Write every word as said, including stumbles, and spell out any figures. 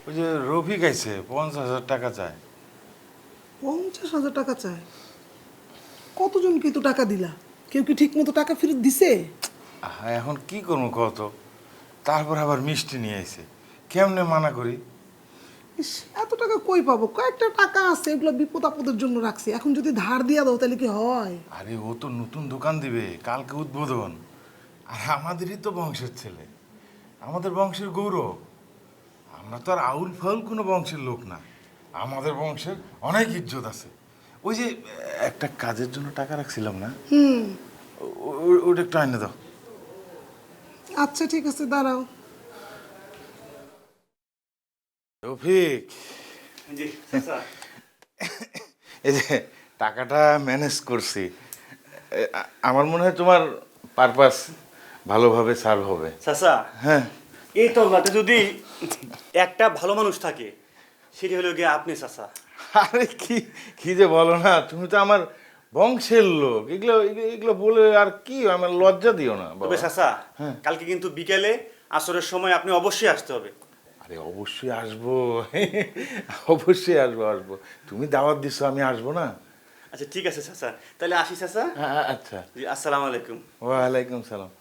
ওই যে রফিক আইছে পঞ্চাশ হাজার টাকা চায়। পঞ্চাশ হাজার টাকা চায়? কতজনকে তো টাকা দিলা? কেউ কি ঠিক মতো টাকা ফেরত দিছে? আহা, এখন কি করবো কত? তারপর আবার মিষ্টি নিয়ে আইছে, কেমনে মানা করি? ইস, এত টাকা কই পাবো? কয়েকটা টাকা আছে, এগুলো বিপদ আপদের জন্য রাখছি। এখন যদি ধার দিয়া দাও তাহলে কি হয়? আরে ও তো নতুন দোকান দিবে, কালকে উদ্বোধন। আর আমাদেরই তো বংশের ছেলে, আমাদের বংশের গৌরব। আমরা তো আর আউল ফাউল কোনো বংশের লোক না, আমাদের বংশের অনেক ইজ্জত আছে। ওই যে একটা কাজের জন্য টাকা রাখছিলাম না, হুম, ও- ও- ওটা একটু আইনে দাও। আচ্ছা ঠিক আছে, দাঁড়াও। রফিক, জি চাচা। এই যে টাকাটা ম্যানেজ করছি, এ, আ- আমার মনে হয় তোমার পারপাস ভালোভাবে সার্ভ হবে। চাচা, হ্যাঁ, এই তল্লাতে যদি একটা ভালো মানুষ থাকে সেটি হলো গিয়ে আপনি চাচা। আরে কি কি যে বলো না, তুমি তো আমার বংশের লোক। এগুলো এগুলো- এগুলো বলে আর কি, আমার লজ্জা দিও না বাবা। তবে চাচা, হ্যাঁ। কালকে কিন্তু বিকেলে আসরের সময় আপনি অবশ্যই আসতে হবে। আরে অবশ্যই আসবো, অবশ্যই আসবো আসবো। তুমি দাওয়াত দিছো, আমি আসবো না? আচ্ছা ঠিক আছে চাচা, তাহলে আসি চাচা। আ- আচ্ছা, জি আসসালামু আলাইকুম। ওয়ালাইকুম সালাম।